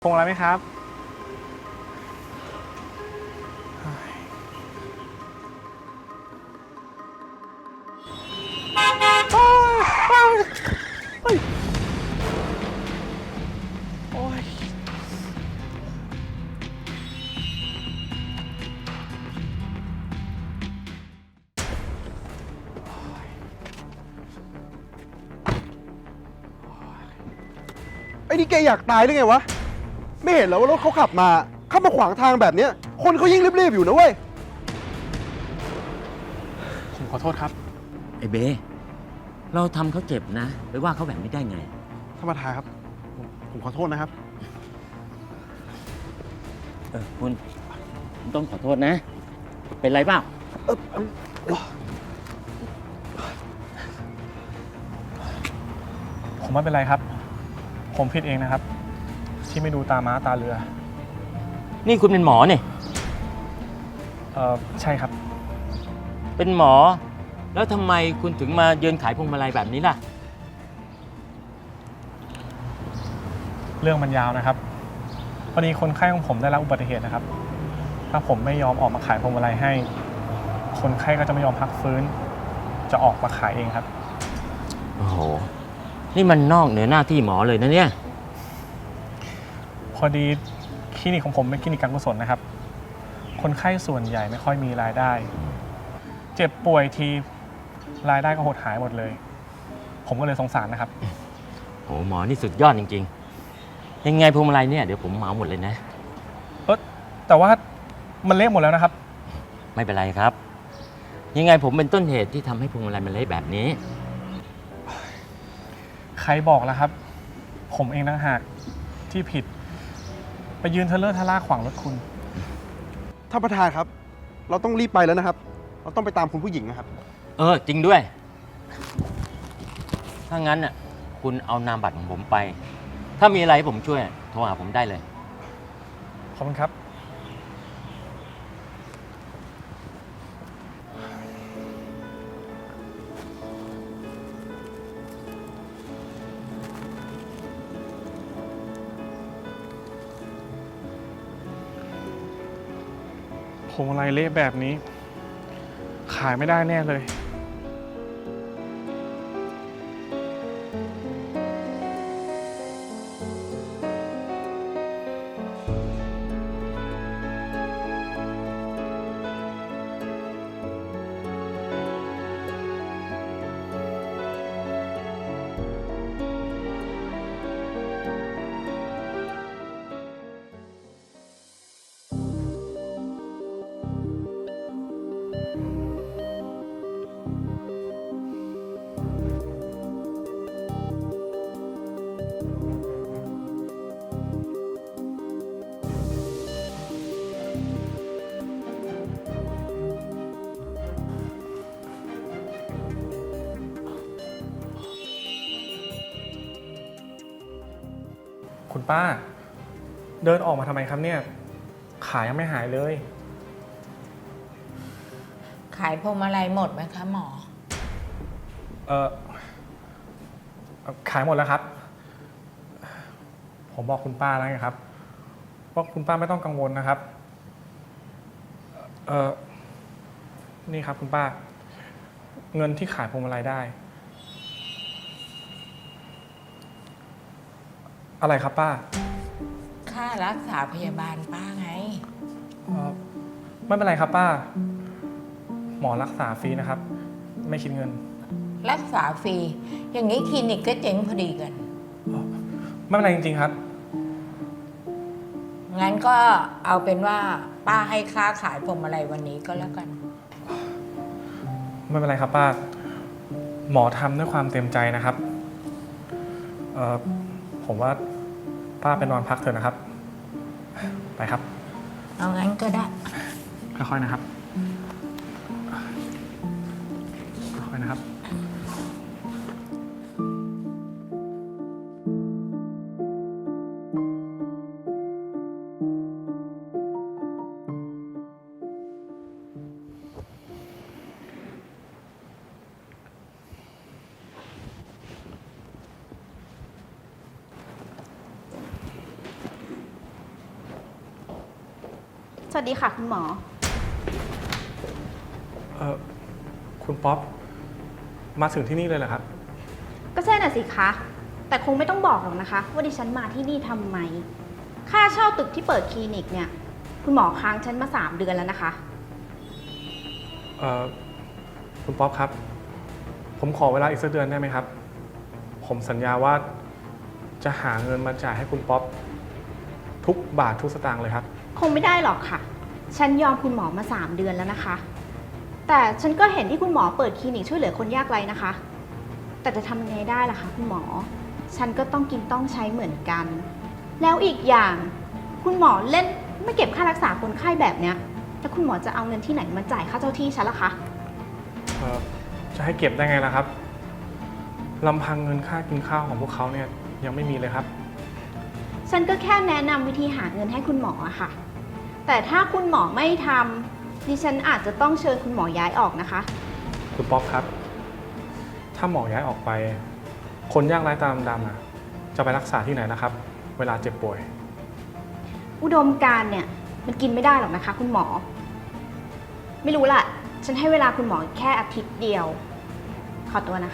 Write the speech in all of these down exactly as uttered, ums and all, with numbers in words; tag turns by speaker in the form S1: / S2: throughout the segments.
S1: พงอะไรไหมครับโอ้ย
S2: ไอ้นี่แกอยากตายหรือไงวะไม่เห็นเหรอว่ารถเขาขับมาเข้ามาขวางทางแบบเนี้ยคนเขายิ่งรีบๆอยู่นะเว้ย
S1: ผมขอโทษครับ
S3: ไอ้เบเราทำเขาเจ็บนะไปว่าเขาแบบนี้ได้ไง
S2: ท่านประธานครับผมผมขอโทษนะครับ
S3: เออคุณคุณต้องขอโทษนะ เป็นไรเปล่า
S2: เออเออ
S1: ผมไม่เป็นไรครับ ผมผิดเองนะครับ ที่ไม่ดูตาม้าตาเรือ
S3: นี่คุณเป็นหมอเนี่ย
S1: เออใช่ครับ
S3: เป็นหมอ แล้วทำไมคุณถึงมายืนขายพวงมาลัยแบบนี้ล่ะ
S1: เรื่องมันยาวนะครับพอดีคนไข้ของผมได้รับอุบัติเหตุนะครับ ถ้าผมไม่ยอมออกมาขายพวงมาลัยให้ คนไข้ก็จะไม่ยอมพักฟื้น จะออกมาขายเองครับ
S3: โอ้โห นี่มันนอกเหนือหน้าที่หมอเลยนะเนี่ย
S1: พอดีคลินิกของผมเป็นคลินิกการกุศลนะครับ คนไข้ส่วนใหญ่ไม่ค่อยมีรายได้ เจ็บป่วยทีรายได้ก็หดหายหมดเลย ผมก็เลยสงสารนะครับ
S3: โอ้หมอนี่สุดยอดจริงๆ ยังไงพวงมาลัยเนี่ยเดี๋ยวผมเหมาหมดเลยนะ
S1: เออแต่ว่ามันเละหมดแล้วนะครับ
S3: ไม่เป็นไรครับ ยังไงผมเป็นต้นเหตุที่ทำให้พวงมาลัยมันเละแบบนี้
S1: ใครบอกแล้วครับ ผมเองต่างหากที่ผิด ไปยืนเทเลอร์ทะล่าขวางรถคุณ
S2: ท่านประธานครับ เราต้องรีบไปแล้วนะครับ เราต้องไปตามคุณผู้หญิงนะครับ
S3: เออ จริงด้วย ถ้างั้นน่ะคุณเอานามบัตรของผมไป ถ้ามีอะไรให้ผมช่วยโทรหาผมได้เลย
S1: ขอบคุณครับ พวงมาลัยเละแบบนี้ ขายไม่ได้แน่เลย คุณป้า เดินออกมาทำไมครับเนี่ย ขายังไม่หายเลย
S4: ขายพวงมาลัยหมดไหมคะหมอ
S1: เออขายหมดแล้วครับ ผมบอกคุณป้าแล้วไงครับว่าคุณป้าไม่ต้องกังวลนะครับ เออนี่ครับคุณป้า เงินที่ขายพวงมาลัยได้ อะไรครับป้า
S4: ค่ารักษาพยาบาลป้าไง
S1: เออไม่เป็นไรครับป้า หมอรักษาฟรีนะครับ ไม่คิดเงิน
S4: รักษาฟรี อย่างนี้คลินิกก็เจ๊งพอดีกัน
S1: ไม่เป็นไรจริงๆครับ
S4: งั้นก็เอาเป็นว่าป้าให้ค่าขายพวงมาลัยวันนี้ก็แล้วกัน
S1: ไม่เป็นไรครับป้า หมอทำด้วยความเต็มใจนะครับ เออผมว่าป้าไปนอนพักเถอะนะครับ ไปครับ
S4: เอางั้นก็ได้
S1: ค่อยๆนะครับ ค่อยๆนะครับ
S5: สวัสดีค่ะคุณหมอ
S1: เออคุณป๊อปมาถึงที่นี่เลยเหรอครับ
S5: ก็ใช่น่ะสิคะ แต่คงไม่ต้องบอกหรอกนะคะ ว่าดิฉันมาที่นี่ทำไม ค่าเช่าตึกที่เปิดคลินิกเนี่ย คุณหมอค้างฉันมาสามเดือนแล้วนะคะ
S1: เออคุณป๊อปครับ ผมขอเวลาอีกสักเดือนได้ไหมครับ ผมสัญญาว่าจะหาเงินมาจ่ายให้คุณป๊อปทุกบาททุกสตางค์เลยครับ
S5: คงไม่ได้หรอกค่ะ ฉันยอมคุณหมอมาสามเดือนแล้วนะคะ แต่ฉันก็เห็นที่คุณหมอเปิดคลินิกช่วยเหลือคนยากไร้นะคะ แต่จะทำยังไงได้ล่ะคะคุณหมอ ฉันก็ต้องกินต้องใช้เหมือนกัน แล้วอีกอย่างคุณหมอเล่นไม่เก็บค่ารักษาคนไข้แบบเนี้ยแล้วคุณหมอจะเอาเงินที่ไหนมาจ่ายค่าเจ้าที่ฉันล่ะคะ
S1: เอ่อจะให้เก็บได้ไงล่ะครับลำพังเงินค่ากินข้าวของพวกเขาเนี่ยยังไม่มีเลยครับ
S5: ฉันก็แค่แนะนำวิธีหาเงินให้คุณหมออะค่ะ แต่ถ้าคุณหมอไม่ทำดิฉันอาจจะต้องเชิญคุณหมอย้ายออกนะคะ
S1: คุณป๊อปครับ ถ้าหมอย้ายออกไป คนยากไร้ตาดำๆอ่ะจะไปรักษาที่ไหนนะครับ เวลาเจ็บป่วย
S5: อุดมการณ์เนี่ยมันกินไม่ได้หรอกนะคะ คุณหมอ ไม่รู้ล่ะ ฉันให้เวลาคุณหมอแค่อาทิตย์เดียว ขอตัวนะคะ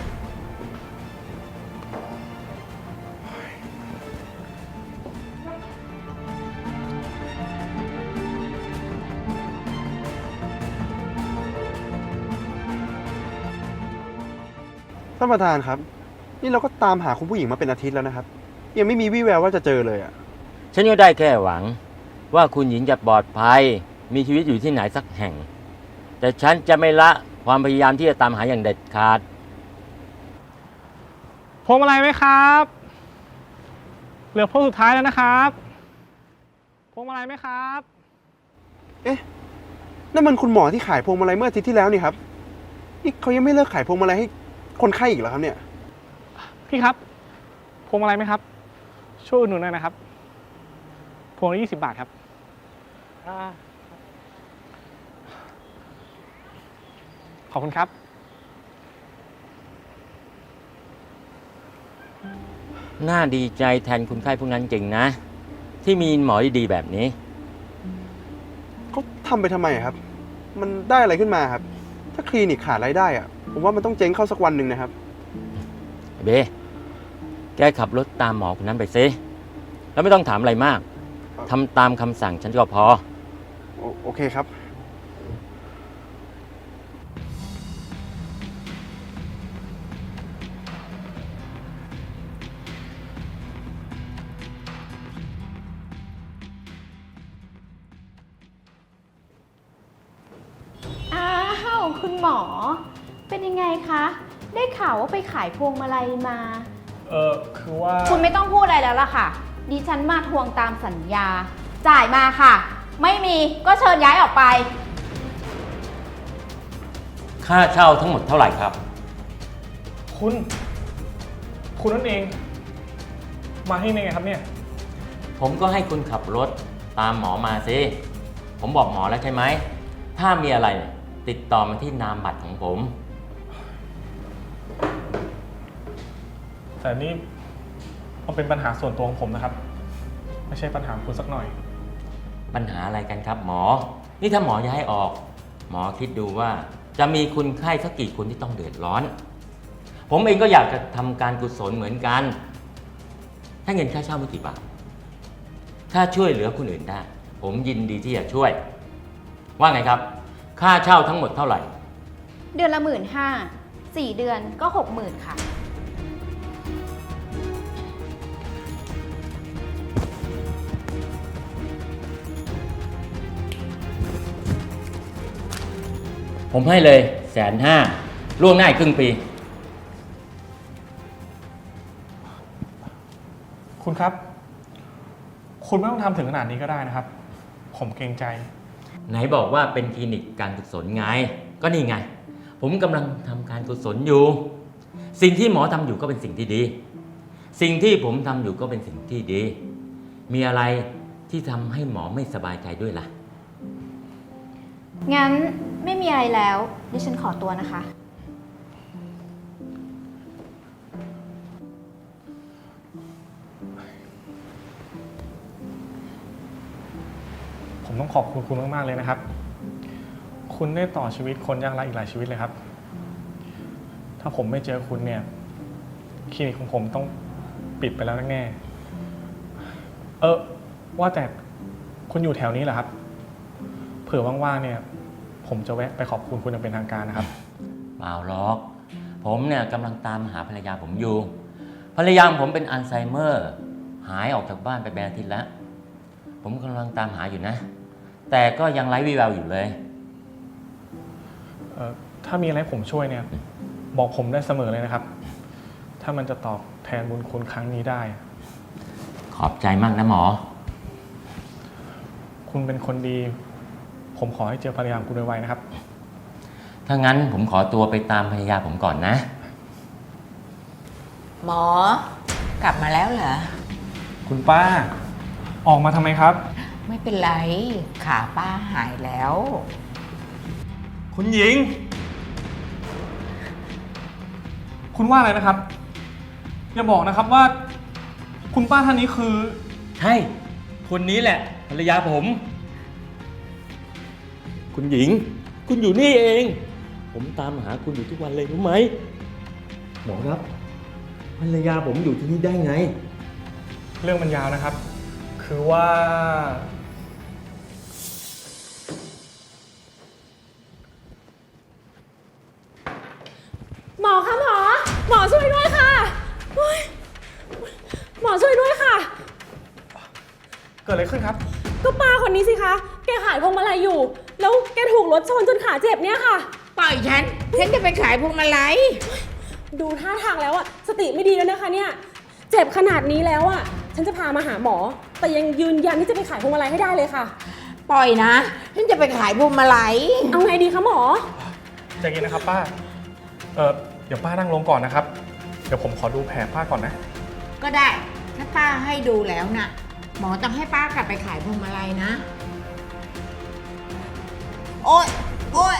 S2: ท่านประธานครับ นี่เราก็ตามหาคุณผู้หญิงมาเป็นอาทิตย์แล้วนะครับ ยังไม่มีวี่แววว่าจะเจอเลยอะ
S3: ฉันก็ได้แค่หวังว่าคุณหญิงจะปลอดภัย มีชีวิตอยู่ที่ไหนสักแห่ง แต่ฉันจะไม่ละความพยายามที่จะตามหาอย่างเด็ดขาด
S1: พวงมาลัยไหมครับ เหลือพวงสุดท้ายแล้วนะครับ พวงมาลัยไหมครับ
S2: เอ๊ะนั่นมันคุณหมอที่ขายพวงมาลัยเมื่ออาทิตย์ที่แล้วนี่ครับ นี่เขายังไม่เลิกขายพวงมาลัยให้คนไข้อีกเหรอครับเนี่ย
S1: พี่ครับ พวงมาลัยไหมครับ ช่วยอุดหนุนหน่อยนะครับ พวงละยี่สิบบาทครับ ขอบคุณครับ
S3: น่าดีใจแทนคุณไข้พวกนั้นจริงนะ ที่มีหมอดีๆแบบนี้
S2: เขาทำไปทำไมอะครับ มันได้อะไรขึ้นมาครับ ถ้าคลินิกขาดรายได้อะผมว่ามันต้องเจ๊งเข้าสักวันหนึ่งนะครับ
S3: เบ แกขับรถตามหมอคนนั้นไปซิแล้วไม่ต้องถามอะไรมากทำตามคำสั่งฉันก็พอ
S2: โอโอเคครับ
S5: อ้าวคุณหมอ เป็นยังไงคะ ได้ข่าวว่าไปขายพวงมาลัยมา
S1: เออคือว่า
S5: คุณไม่ต้องพูดอะไรแล้วล่ะค่ะ ดิฉันมาทวงตามสัญญา จ่ายมาค่ะ ไม่มีก็เชิญย้ายออกไป
S3: ค่าเช่าทั้งหมดเท่าไหร่ครับ
S1: คุณ คุณนั่นเอง มาที่นี่ไงครับเนี่ย
S3: ผมก็ให้คุณขับรถตามหมอมาสิผมบอกหมอแล้วใช่ไหม ถ้ามีอะไรติดต่อมาที่นามบัตรของผม
S1: แต่นี่มันเป็นปัญหาส่วนตัวของผมนะครับ ไม่ใช่ปัญหาของคุณสักหน่อย
S3: ปัญหาอะไรกันครับหมอ นี่ถ้าหมอย้ายออก หมอคิดดูว่าจะมีคนไข้สักกี่คนที่ต้องเดือดร้อน ผมเองก็อยากจะทำการกุศลเหมือนกัน ถ้าเงินค่าเช่าไม่กี่บาท ถ้าช่วยเหลือคนอื่นได้ ผมยินดีที่จะช่วย ว่าไงครับ ค่าเช่าทั้งหมดเท่าไหร่
S5: เดือนละหมื่นห้า สี่เดือนก็หกหมื่นค่ะ
S3: ผมให้เลยแสนห้าล่วงหน้าอีกครึ่งปี
S1: คุณครับ คุณไม่ต้องทำถึงขนาดนี้ก็ได้นะครับ ผมเกรงใจ
S3: ไหนบอกว่าเป็นคลินิกการกุศลไง ก็นี่ไง ผมกำลังทำการกุศลอยู่ สิ่งที่หมอทำอยู่ก็เป็นสิ่งที่ดี สิ่งที่ผมทำอยู่ก็เป็นสิ่งที่ดี มีอะไรที่ทำให้หมอไม่สบายใจด้วยล่ะ
S5: งั้นไม่มีอะไรแล้วดิฉันขอตัวนะคะ
S1: ผมต้องขอบคุณคุณมากๆเลยนะครับ คุณได้ต่อชีวิตคนยากไร้อีกหลายชีวิตเลยครับ ถ้าผมไม่เจอคุณเนี่ยคลินิกของผมต้องปิดไปแล้วแน่ๆเออว่าแต่คุณอยู่แถวนี้เหรอครับ เผื่อว่างๆเนี่ยผมจะแวะไปขอบคุณคุณอย่างเป็นทางการนะครับ
S3: เปล่าหรอก ผมเนี่ยกำลังตามหาภรรยาผมอยู่ ภรรยาผมเป็นอัลไซเมอร์ หายออกจากบ้านไปเป็นอาทิตย์แล้ว ผมกำลังตามหาอยู่นะ แต่ก็ยังไร้วี่แววอยู่เลย
S1: เออถ้ามีอะไรผมช่วยเนี่ยบอกผมได้เสมอเลยนะครับ ถ้ามันจะตอบแทนบุญคุณครั้งนี้ได้
S3: ขอบใจมากนะหมอ
S1: คุณเป็นคนดี ผมขอให้เจอภรรยาของคุณไวๆนะครับ
S3: ถ้างั้นผมขอตัวไปตามภรรยาผมก่อนนะ
S4: หมอกลับมาแล้วเหรอ
S1: คุณป้า ออกมาทำไมครับ
S4: ไม่เป็นไร ขาป้าหายแล้ว
S1: คุณหญิง คุณว่าอะไรนะครับ อย่าบอกนะครับว่า คุณป้าท่านนี้คือ
S3: ใช่ คนนี้แหละ ภรรยาผม คุณหญิง คุณอยู่นี่เอง ผมตามหาคุณอยู่ทุกวันเลยรู้ไหม หมอครับ ภรรยาผมอยู่ที่นี่ได้ไง
S1: เรื่องมันยาวนะครับ คือว่า
S6: หมอคะหมอ หมอช่วยด้วยค่ะโอ๊ยหมอช่วยด้วยค่ะ
S1: เกิดอะไรขึ้นครับ
S6: ก็ป้าคนนี้สิคะ แกขายพวงมาลัยอยู่ แล้วแกถูกรถชนจนขาเจ็บเนี่ยค่ะ
S4: ปล่อยฉัน ฉันจะไปขายพวงมาลัย
S6: ดูท่าทางแล้วอะสติไม่ดีแล้วนะคะเนี่ย เจ็บขนาดนี้แล้วอะฉันจะพามาหาหมอ แต่ยังยืนยันที่จะไปขายพวงมาลัยให้ได้เลยค่ะ
S4: ปล่อยนะ ฉันจะไปขายพวงมาลัย
S6: เอาไงดีคะหมอ
S1: ใจเย็นนะครับป้า เออเดี๋ยวป้านั่งลงก่อนนะครับ เดี๋ยวผมขอดูแผลป้าก่อนนะ
S4: ก็ได้ ถ้าป้าให้ดูแล้วน่ะ หมอต้องให้ป้ากลับไปขายพวงมาลัยนะ โอ๊ย โอ๊ย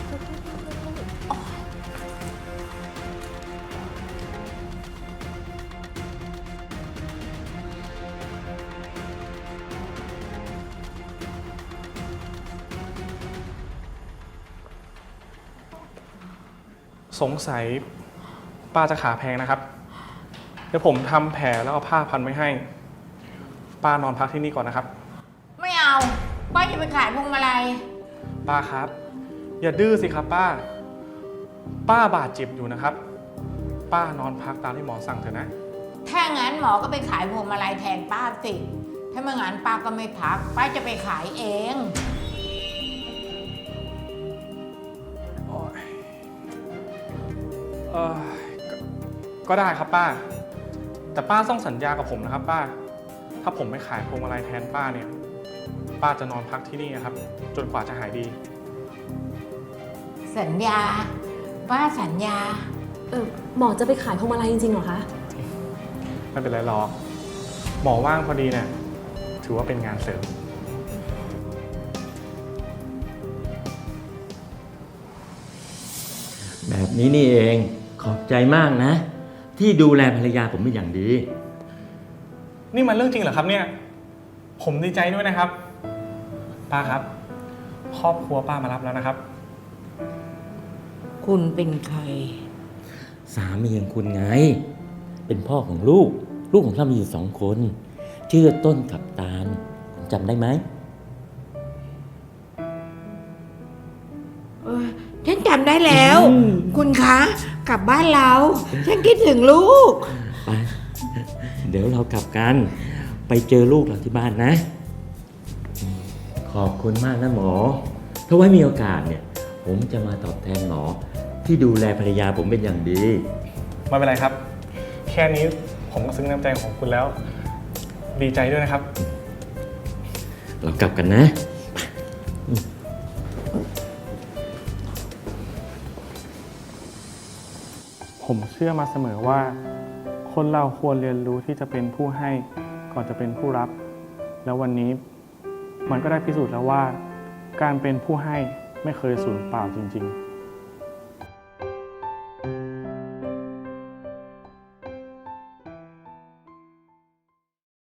S1: สงสัยป้าจะขาแพงนะครับ เดี๋ยวผมทำแผลแล้วเอาผ้าพันไว้ให้ ป้านอนพักที่นี่ก่อนนะครับ
S4: ไม่เอา ป้าจะไปขายพวงมาลัย
S1: ป้าครับ อย่าดื้อสิครับป้า ป้าบาดเจ็บอยู่นะครับ ป้านอนพักตามที่หมอสั่งเถอะนะ
S4: ถ้างั้นหมอก็ไปขายพวงมาลัยแทนป้าสิ ถ้าไม่งั้นป้าก็ไม่พัก ป้าจะไปขายเอง
S1: เออก็ก็ได้ครับป้า แต่ป้าต้องสัญญากับผมนะครับ ป้า ถ้าผมไม่ขายพวงมาลัยแทนป้าเนี่ย ป้าจะนอนพักที่นี่นะครับ จนกว่าจะหายดี
S4: สัญญา ป้าสัญญา
S6: เออหมอจะไปขายพวงมาลัยจริงๆเหรอคะ
S1: ไม่เป็นไรหรอก หมอว่างพอดีเนี่ย ถือว่าเป็นงานเสริม
S3: แบบนี้นี่เอง ขอบใจมากนะ ที่ดูแลภรรยาผมเป็นอย่างดี
S1: นี่มันเรื่องจริงเหรอครับเนี่ย ผมดีใจด้วยนะครับ ป้าครับ ครอบครัวป้ามารับแล้วนะครับ
S4: คุณเป็นใคร
S3: สามีของคุณไง เป็นพ่อของลูก ลูกของเรามีอยู่สองคน ชื่อต้นกับตาลคุณจำได้ไหม
S4: เออฉันจำได้แล้ว
S3: อืม
S4: คุณคะ กลับบ้านเรา ฉันคิดถึงลูก
S3: ไป เดี๋ยวเรากลับกัน ไปเจอลูกเราที่บ้านนะ ขอบคุณมากนะหมอ ถ้าไว้มีโอกาสเนี่ย ผมจะมาตอบแทนหมอ ที่ดูแลภรรยาผมเป็นอย่างดี
S1: ไม่เป็นไรครับ แค่นี้ผมก็ซึ้งน้ำใจของคุณแล้ว ดีใจด้วยนะครับ
S3: เรากลับกันนะ
S1: ผมเชื่อมาเสมอว่า คนเราควรเรียนรู้ที่จะเป็นผู้ให้ก่อนจะเป็นผู้รับ แล้ววันนี้มันก็ได้พิสูจน์แล้วว่า การเป็นผู้ให้ไม่เคยสูญเปล่าจริงๆ